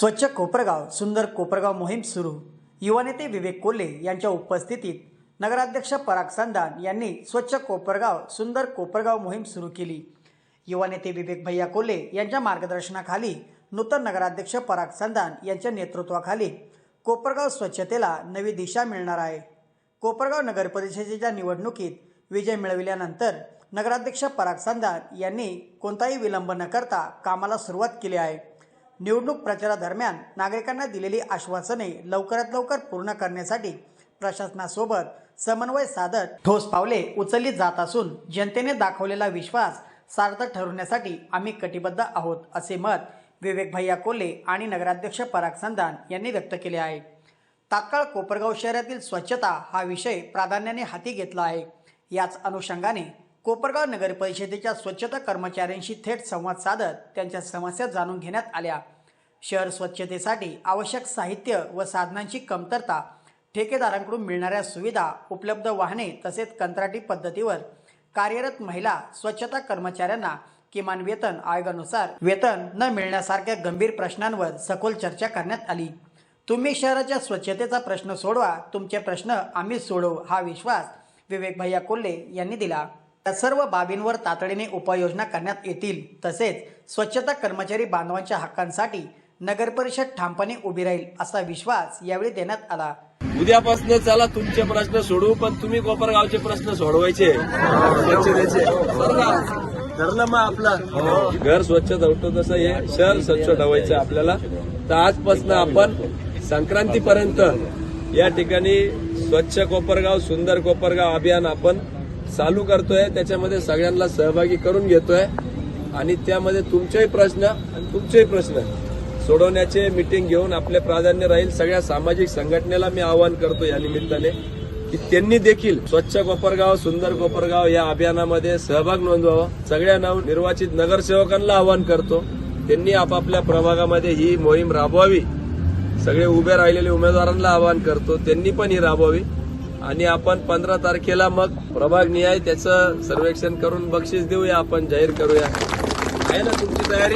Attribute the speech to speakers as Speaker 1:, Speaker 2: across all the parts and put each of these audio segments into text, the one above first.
Speaker 1: स्वच्छ कोपरगाव सुंदर कोपरगाव मोहीम सुरू। युवा नेते विवेक कोल्हे यांच्या उपस्थितीत नगराध्यक्ष पराग संधान यांनी स्वच्छ कोपरगाव सुंदर कोपरगाव मोहीम सुरू केली। युवा नेते विवेक भैया कोल्हे यांच्या मार्गदर्शनाखाली नूतन नगराध्यक्ष पराग संधान यांच्या नेतृत्वाखाली कोपरगाव स्वच्छतेला नवी दिशा मिळणार आहे। कोपरगाव नगर परिषदेच्या निवडणुकीत विजय मिळविल्यानंतर नगराध्यक्ष पराग संधान यांनी कोणताही विलंब न करता कामाला सुरुवात केली आहे। निवडणूक प्रचारादरम्यान नागरिकांना दिलेली आश्वासने लवकरात लवकर पूर्ण करण्यासाठी प्रशासनासोबत समन्वय साधत ठोस पावले उचलली जात असून जनतेने दाखवलेला विश्वास सार्थक ठरवण्यासाठी आम्ही कटिबद्ध आहोत, असे मत विवेक भैया कोल्हे आणि नगराध्यक्ष पराग संधान यांनी व्यक्त केले आहे। तात्काळ कोपरगाव शहरातील स्वच्छता हा विषय प्राधान्याने हाती घेतला आहे। याच अनुषंगाने कोपरगाव नगर परिषदेच्या स्वच्छता कर्मचाऱ्यांशी थेट संवाद साधत त्यांच्या समस्या जाणून घेण्यात आल्या। शहर स्वच्छतेसाठी आवश्यक साहित्य व साधनांची कमतरता, ठेकेदारांकडून मिळणाऱ्या सुविधा, उपलब्ध वाहने तसेच कंत्राटी पद्धतीवर कार्यरत महिला स्वच्छता कर्मचाऱ्यांना किमान वेतन आयोगानुसार वेतन न मिळण्यासारख्या गंभीर प्रश्नांवर सखोल चर्चा करण्यात आली। तुम्ही शहराच्या स्वच्छतेचा प्रश्न सोडवा, तुमचे प्रश्न आम्ही सोडवू, हा विश्वास विवेक भैया कोल्हे यांनी दिला। या सर्व बाबींवर तातडीने उपाययोजना करण्यात येतील। तसेच स्वच्छता कर्मचारी बांधवांच्या हक्कांसाठी नगर परिषद ठामपणे उभी राहील, असा विश्वास यावेळी देण्यात आला।
Speaker 2: उद्यापासून चला तुमचे प्रश्न सोडवू, पण तुम्ही कोपरगावचे प्रश्न सोडवायचे, स्वच्छतेचे ठरलं मग आपलं घर स्वच्छ ठेवतो तसं हे शहर स्वच्छ ठेवायचं आपल्याला। तर आजपासून आपण संक्रांतीपर्यंत या ठिकाणी स्वच्छ कोपरगाव सुंदर कोपरगाव अभियान आपण चालू करतोय। त्याच्यामध्ये सगळ्यांना सहभागी करून घेतोय आणि त्यामध्ये तुमचेही प्रश्न आणि तुमचेही प्रश्न सोडवण्याचे मीटिंग घेऊन आपले प्राधान्य राहील। सगळ्या सामाजिक संघटनेला मी आवाहन करतो या निमित्ताने की त्यांनी देखील स्वच्छ कोपरगाव सुंदर कोपरगाव या अभियानामध्ये सहभाग नोंदवावा। सगळ्या नवनिर्वाचित नगरसेवकांना आवाहन करतो त्यांनी आपापल्या प्रभागामध्ये ही मोहीम राबवावी। सगळे उभे राहिलेले उमेदवारांना आवाहन करतो त्यांनी पण ही राबवावी आणि आपण 15 तारखेला मग प्रभाग निहाय त्याचं सर्वेक्षण करून बक्षीस देऊया, आपण जाहीर करूया। आहे ना तुमची तयारी?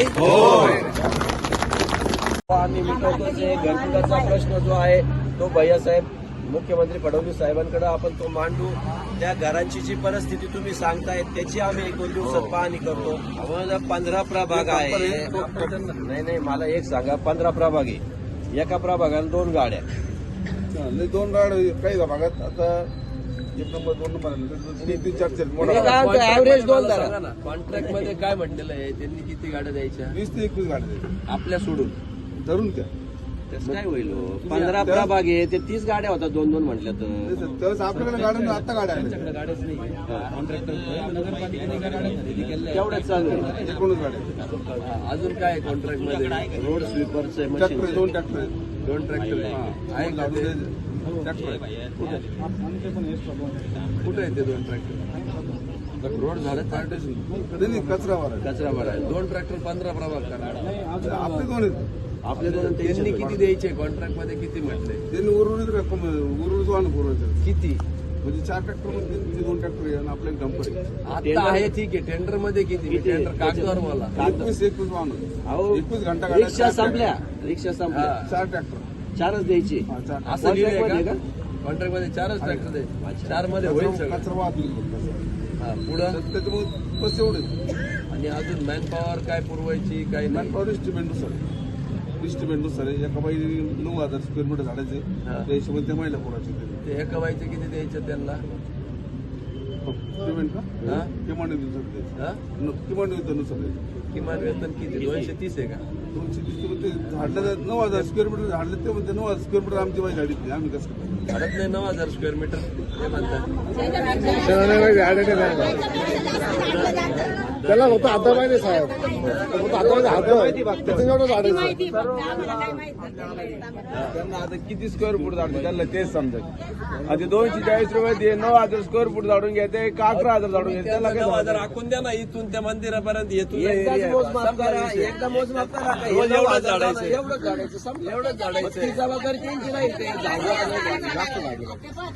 Speaker 2: आम्ही मिटवतो जे घरकुलाचा प्रश्न जो आहे तो भैयासाहेब मुख्यमंत्री फडणवीस साहेबांकडे आपण तो मांडू। त्या घरांची जी परिस्थिती तुम्ही सांगताय त्याची आम्ही 1-2 दिवसात पाहणी करतो। 15 प्रभाग आहे, नाही मला एक सांगा, 15 प्रभाग आहे, एका प्रभागाला 2 गाड्या,
Speaker 3: 2 गाड्या काही भागात आता 1 नंबर 2 नंबर
Speaker 2: ऍव्हरेज 2 धरा ना। कॉन्ट्रॅक्ट मध्ये काय म्हटलेलं आहे, त्यांनी किती गाड्या द्यायच्या?
Speaker 3: 20 ते 21 गाड्या द्यायच्या
Speaker 2: आपल्या सोडून
Speaker 3: धरून त्या।
Speaker 2: त्याच काय होईल? 15 प्रभाग आहे ते 30 गाड्या होतात, 2-2 म्हटल्या तर
Speaker 3: त्यावेळेस आपल्याकडे गाड्या आता गाड्या आल्या
Speaker 2: गाड्याच नाही। कॉन्ट्रॅक्टर नगरपालिकेने गाड्या खरेदी केल्या तेवढ्याच चालू आहे।
Speaker 3: 19 गाड्या।
Speaker 2: अजून काय कॉन्ट्रॅक्ट मध्ये? रोड स्वीपरचे मशीन,
Speaker 3: 2 ट्रॅक्टर आहेत,
Speaker 2: 2 ट्रॅक्टर आहे का ते?
Speaker 3: ट्रॅक्टर आहे
Speaker 2: कुठे आहे ते 2 ट्रॅक्टर? रोड झालं
Speaker 3: नाही, कचरा भरा
Speaker 2: आहे। 2 ट्रॅक्टर 15 प्रभाग करणार
Speaker 3: आपले 2 आहेत।
Speaker 2: आपले 2 त्यांनी किती द्यायचे? कॉन्ट्रॅक्ट मध्ये किती म्हटले?
Speaker 3: त्यांनी उर्वरित वाहन पुरवायचं
Speaker 2: किती?
Speaker 3: म्हणजे 4 ट्रॅक्टर मध्ये 2 ट्रॅक्टर आहे आणि आपल्या डंपर आहे।
Speaker 2: आता आहे ठीक आहे, टेंडर मध्ये किती? टेंडर कागदावर मला
Speaker 3: 21 वाहन, 21 घंटा गाड्या,
Speaker 2: रिक्षा संपल्या
Speaker 3: 4 ट्रॅक्टर
Speaker 2: 4च द्यायची असं लिहिलंय का? कॉन्ट्रॅक्ट मध्ये 4च ट्रॅक्टर द्यायचे, 4 मध्ये होईल सगळं।
Speaker 3: कचरा वाहतूक
Speaker 2: पुढं
Speaker 3: त्याच्यामुळे बस एवढे।
Speaker 2: आणि अजून मॅन पॉवर काय पुरवायची काय नाही?
Speaker 3: मॅनपॉवर इस्टिमेंटनुसार एका बाई 9,000 स्क्वेअर मीटर झाडायचे, त्या हिशोबाने त्या महिला पुरायचे
Speaker 2: ते एका बाईचे किती द्यायचं त्यांना
Speaker 3: पेमेंट का? किमान वेतनानुसार
Speaker 2: किमान वेतन किती? 230 आहे का?
Speaker 3: 230 झाडलं 9,000 स्क्वेअर मीटर झाडलं ते म्हणते 9,000 स्क्वेअर मीटर आमची बाई झाडीतली, आम्ही कसं करतो?
Speaker 2: झाडत नाही 9,000 स्क्वेअर मीटर ते म्हणतात
Speaker 3: त्याला होतं आता माहिती साहेब, त्यांना आता किती स्क्वेअर फूट झाडते त्यांना तेच समजत। आता 240 रुपये 9,000 स्क्वेअर फूट झाडून घ्यायचे का 11,000 झाडून घ्यायचे? त्याला
Speaker 2: 9,000 आखून द्या ना, इथून त्या मंदिरापर्यंत येथून
Speaker 3: मोजमाप करा, एकदा मोजमाप करा,
Speaker 2: एवढंच झाडायचं,
Speaker 3: एवढंच झाडायचं, एवढंच झाडायचं, जबाबदारी त्यांची नाही, ते झाडू जास्त लागेल.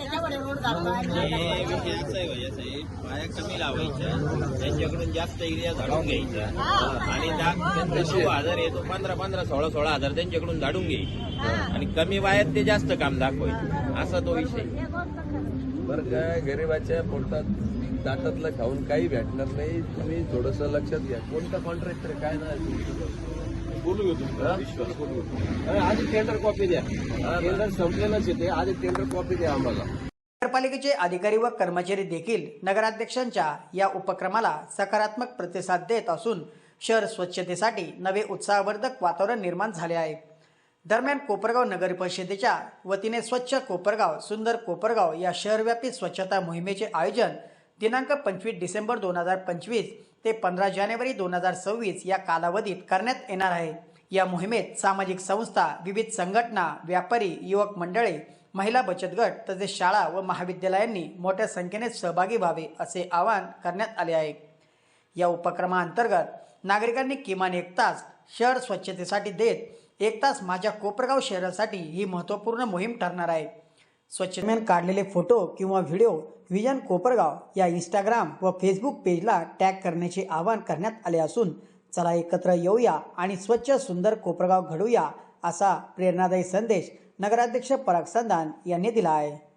Speaker 4: हे विषय असा आहे भाई, असं आहे, पाया कमी लावायच्या, त्यांच्याकडून जास्त एरिया झाडून घ्यायचा आणि त्यांचा 9,000 येतो 15,000 16,000 त्यांच्याकडून झाडून घ्यायचे आणि कमी वायात ते जास्त काम दाखवायचे, असा तो विषय.
Speaker 2: बरं काय गरीबाच्या पोटात ताटातलं खाऊन काही भेटणार नाही. तुम्ही थोडस लक्षात घ्या. कोणता कॉन्ट्रॅक्टर काय ना
Speaker 3: बोलू घेतो विश्वास बोलू घेतो. आधी टेंडर कॉपी द्या. टेंडर संपलेलंच येते, आधी टेंडर कॉपी द्या आम्हाला.
Speaker 1: नगरपालिकेचे अधिकारी व कर्मचारी देखील नगराध्यक्षांच्या या उपक्रमाला सकारात्मक प्रतिसाद देत असून शहर स्वच्छतेसाठी नवे उत्साहवर्धक वातावरण निर्माण झाले आहे. दरम्यान कोपरगाव नगर परिषदेच्या वतीने स्वच्छ कोपरगाव सुंदर कोपरगाव या शहरव्यापी स्वच्छता मोहिमेचे आयोजन दिनांक 25 डिसेंबर 2025 ते 15 जानेवारी 2026 या कालावधीत करण्यात येणार आहे. या मोहिमेत सामाजिक संस्था, विविध संघटना, व्यापारी, युवक मंडळे, महिला बचत गट तसेच शाळा व महाविद्यालयांनी मोठ्या संख्येने सहभागी व्हावे असे आवाहन करण्यात आले आहे. या उपक्रमाअंतर्गत नागरिकांनी किमान 1 तास शहर स्वच्छतेसाठी देत 1 तास माझ्या कोपरगाव शहरासाठी ही महत्त्वपूर्ण मोहीम ठरणार आहे. स्वच्छतेदरम्यान काढलेले फोटो किंवा व्हिडिओ व्हिजन कोपरगाव या इंस्टाग्राम व फेसबुक पेजला टॅग करण्याचे आवाहन करण्यात आले असून चला एकत्र येऊया आणि स्वच्छ सुंदर कोपरगाव घडवूया असा प्रेरणादायी संदेश नगराध्यक्ष पराग संधान यांनी दिला आहे.